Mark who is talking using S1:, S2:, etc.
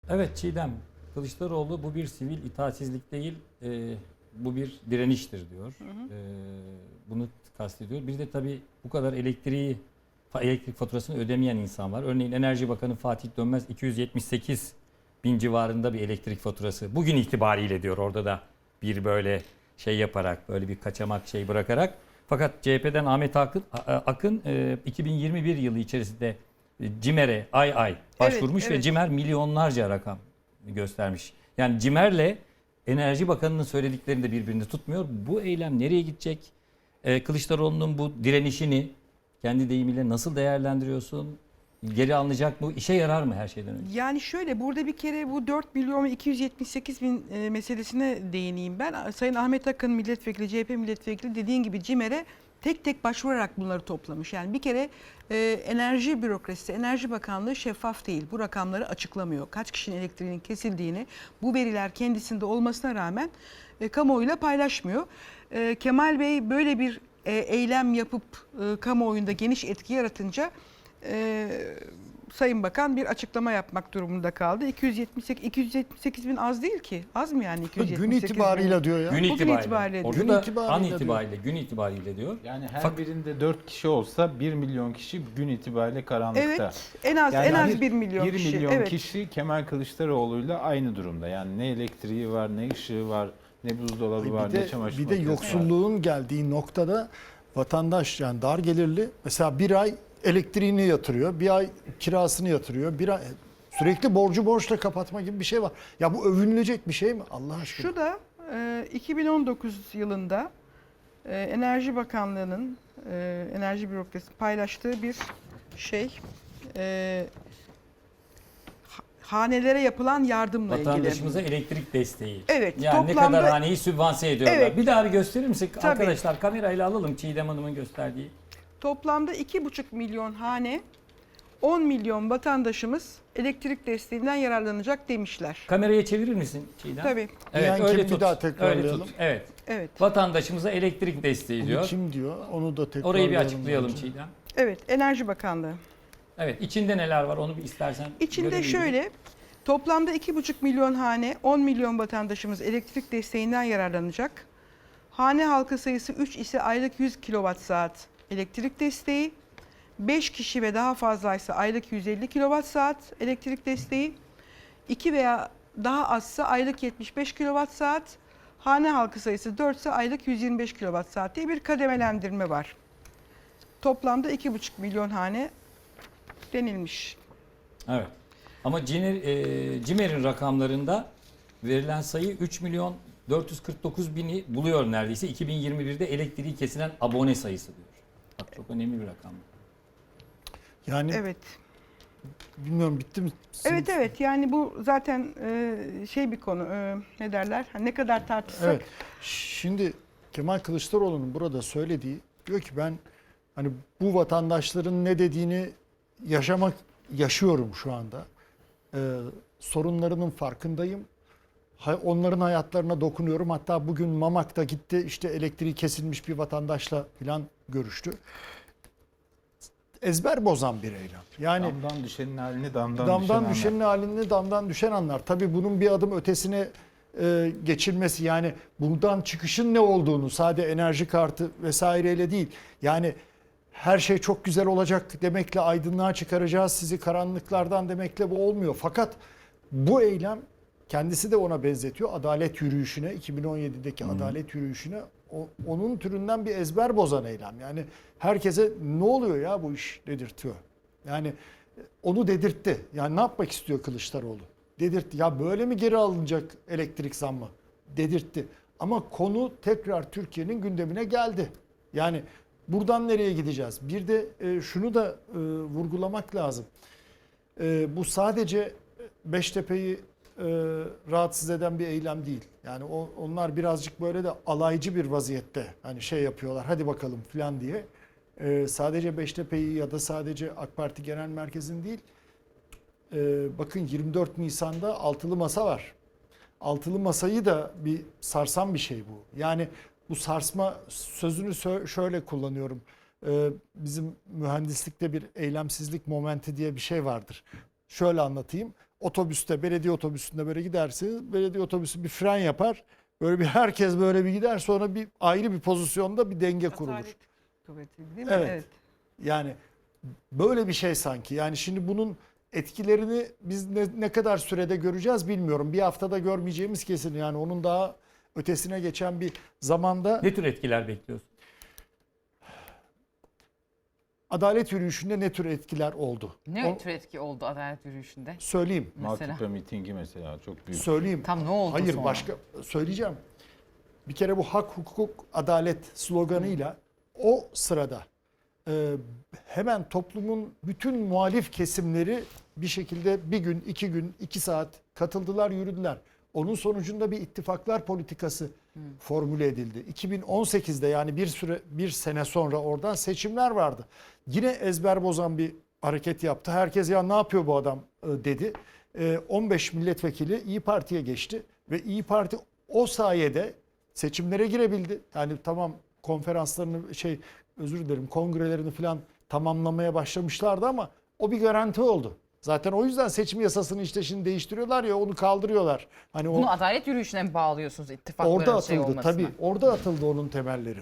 S1: Evet Çiğdem, Kılıçdaroğlu bu bir sivil itaatsizlik değil, bu bir direniştir diyor. Bunu kastediyor. Bir de tabii bu kadar elektrik faturasını ödemeyen insan var. Örneğin Enerji Bakanı Fatih Dönmez 278 bin civarında bir elektrik faturası. Bugün itibariyle diyor, orada da bir böyle şey yaparak, böyle bir kaçamak şey bırakarak. Fakat CHP'den Ahmet Akın 2021 yılı içerisinde CİMER'e ay başvurmuş
S2: Evet, evet.
S1: ve CİMER milyonlarca rakam göstermiş. Yani CİMER'le Enerji Bakanı'nın söylediklerini de birbirini tutmuyor. Bu eylem nereye gidecek? Kılıçdaroğlu'nun bu direnişini kendi deyimiyle nasıl değerlendiriyorsun? Geri alınacak mı? İşe yarar mı her şeyden önce?
S2: Yani şöyle, burada bir kere bu 4 milyon ve 278 bin meselesine değineyim ben. Sayın Ahmet Akın milletvekili, CHP milletvekili dediğin gibi CİMER'e tek tek başvurarak bunları toplamış. Yani bir kere enerji bürokrasisi, Enerji Bakanlığı şeffaf değil. Bu rakamları açıklamıyor. Kaç kişinin elektriğinin kesildiğini, bu veriler kendisinde olmasına rağmen kamuoyuyla paylaşmıyor. Kemal Bey böyle bir eylem yapıp kamuoyunda geniş etki yaratınca Sayın Bakan bir açıklama yapmak durumunda kaldı. 278 bin az değil ki. Az mı yani 278
S3: Gün itibarıyla diyor ya.
S1: Gün
S2: Bugün
S1: itibariyle.
S2: itibariyle
S1: Orada
S3: diyor.
S1: da
S3: Gün itibariyle
S1: an
S3: diyor.
S1: itibariyle, gün itibariyle diyor.
S4: Yani her birinde 4 kişi olsa 1 milyon kişi gün itibariyle karanlıkta.
S2: Evet, en az
S4: Yani
S2: en az 1 milyon
S4: 1
S2: kişi.
S4: milyon
S2: Evet.
S4: kişi Kemal Kılıçdaroğlu'yla aynı durumda. Yani ne elektriği var, ne ışığı var, ne buzdolabı var, ne çamaşır
S3: Bir de
S4: makinesi var.
S3: yoksulluğun geldiği noktada vatandaş, yani dar gelirli mesela bir ay elektriğini yatırıyor, bir ay kirasını yatırıyor, bir ay sürekli borçla kapatma gibi bir şey var. Ya bu övünülecek bir şey mi Allah aşkına?
S2: Şu da 2019 yılında Enerji Bakanlığı'nın enerji bürokrasisi paylaştığı bir şey, hanelere yapılan yardımla ilgili.
S1: Vatandaşımıza elektrik desteği.
S2: Evet,
S1: Yani ne
S2: toplamda-
S1: kadar haneyi sübvanse ediyorlar.
S2: Evet.
S1: Bir daha bir gösterir misin?
S2: Tabii.
S1: Arkadaşlar kamerayla alalım Çiğdem Hanım'ın gösterdiği.
S2: Toplamda 2,5 milyon hane, 10 milyon vatandaşımız elektrik desteğinden yararlanacak demişler.
S1: Kameraya çevirir misin Çiğdem?
S2: Tabii.
S1: Evet,
S3: Diyen
S1: öyle
S3: kim? Bir
S1: tut.
S3: daha
S1: Öyle
S3: tekrarlayalım.
S1: tut. Evet.
S2: Evet.
S1: Vatandaşımıza elektrik desteği
S3: Bunu
S1: diyor.
S3: kim diyor? Onu da tekrarlayalım.
S1: Orayı bir açıklayalım
S3: bence.
S1: Çiğdem.
S2: Evet, Enerji Bakanlığı.
S1: Evet, içinde neler var onu bir istersen
S2: İçinde
S1: görelim.
S2: şöyle, toplamda 2,5 milyon hane, 10 milyon vatandaşımız elektrik desteğinden yararlanacak. Hane halkı sayısı 3 ise aylık 100 kWh elektrik desteği. 5 kişi ve daha fazlaysa aylık 150 kWh elektrik desteği. 2 veya daha azsa aylık 75 kWh. Hane halkı sayısı 4 ise aylık 125 kWh diye bir kademelendirme var. Toplamda 2,5 milyon hane denilmiş.
S1: Evet. Ama CİMER'in rakamlarında verilen sayı 3 milyon 449 bini buluyor neredeyse. 2021'de elektriği kesilen abone sayısı diyor. Bak çok önemli bir rakam.
S3: Yani
S2: Evet.
S3: bilmiyorum, bitti mi?
S2: Evet yani bu zaten şey bir konu, ne derler, ne kadar tartışsak.
S3: Evet. Şimdi Kemal Kılıçdaroğlu'nun burada söylediği, diyor ki ben hani bu vatandaşların ne dediğini yaşıyorum şu anda. Sorunlarının farkındayım. Onların hayatlarına dokunuyorum. Hatta bugün Mamak'ta gitti, işte elektriği kesilmiş bir vatandaşla falan görüştü. Ezber bozan bir eylem. Yani
S4: Damdan düşenin halini damdan
S3: damdan
S4: düşen
S3: düşenin halini damdan düşen anlar. Tabii bunun bir adım ötesine geçilmesi, yani buradan çıkışın ne olduğunu sade enerji kartı vesaireyle değil. Yani her şey çok güzel olacak demekle, aydınlığa çıkaracağız sizi karanlıklardan demekle bu olmuyor. Fakat bu eylem, kendisi de ona benzetiyor, adalet yürüyüşüne, 2017'deki adalet yürüyüşüne, onun türünden bir ezber bozan eylem. Yani herkese ne oluyor ya bu iş dedirtiyor. Yani onu dedirtti. Yani ne yapmak istiyor Kılıçdaroğlu? Dedirtti. Ya böyle mi geri alınacak elektrik zammı? Dedirtti. Ama konu tekrar Türkiye'nin gündemine geldi. Yani buradan nereye gideceğiz? Bir de şunu da vurgulamak lazım. Bu sadece Beştepe'yi rahatsız eden bir eylem değil. Yani onlar birazcık böyle de alaycı bir vaziyette hani şey yapıyorlar, hadi bakalım falan diye. Sadece Beştepe'yi ya da sadece AK Parti Genel Merkezi'nin değil. Bakın 24 Nisan'da altılı masa var. Altılı masayı da bir sarsan bir şey bu. Yani bu sarsma sözünü şöyle kullanıyorum. Bizim mühendislikte bir eylemsizlik momenti diye bir şey vardır. Şöyle anlatayım. otobüste, belediye otobüsünde böyle gidersin. Belediye otobüsü bir fren yapar. Böyle bir herkes böyle bir gider, sonra bir ayrı bir pozisyonda bir denge kurulur.
S2: Atalet kuvveti değil mi?
S3: Evet. Yani böyle bir şey sanki. Yani şimdi bunun etkilerini biz ne kadar sürede göreceğiz bilmiyorum. Bir haftada görmeyeceğimiz kesin. Yani onun daha ötesine geçen bir zamanda
S1: Ne tür etkiler bekliyorsun?
S3: adalet yürüyüşünde ne tür etkiler oldu?
S5: Ne tür etki oldu adalet yürüyüşünde?
S3: Söyleyeyim.
S5: Mesela.
S4: Maltepe mitingi mesela çok büyük.
S3: Söyleyeyim.
S5: Tam ne oldu
S3: Hayır
S5: sonra?
S3: başka söyleyeceğim. Bir kere bu hak, hukuk, adalet sloganıyla o sırada hemen toplumun bütün muhalif kesimleri bir şekilde bir gün, 2 gün, 2 saat katıldılar, yürüdüler. Onun sonucunda bir ittifaklar politikası formüle edildi. 2018'de yani bir sene sonra oradan seçimler vardı. Yine ezber bozan bir hareket yaptı. Herkes ya ne yapıyor bu adam dedi. 15 milletvekili İyi Parti'ye geçti ve İyi Parti o sayede seçimlere girebildi. Yani tamam konferanslarını kongrelerini falan tamamlamaya başlamışlardı ama o bir garanti oldu. Zaten o yüzden seçim yasasını işte şimdi değiştiriyorlar ya, onu kaldırıyorlar. Hani o
S5: Bunu adalet yürüyüşüne mi bağlıyorsunuz ittifakların
S3: orada
S5: şey
S3: atıldı
S5: olmasına?
S3: tabii. Orada atıldı onun temelleri.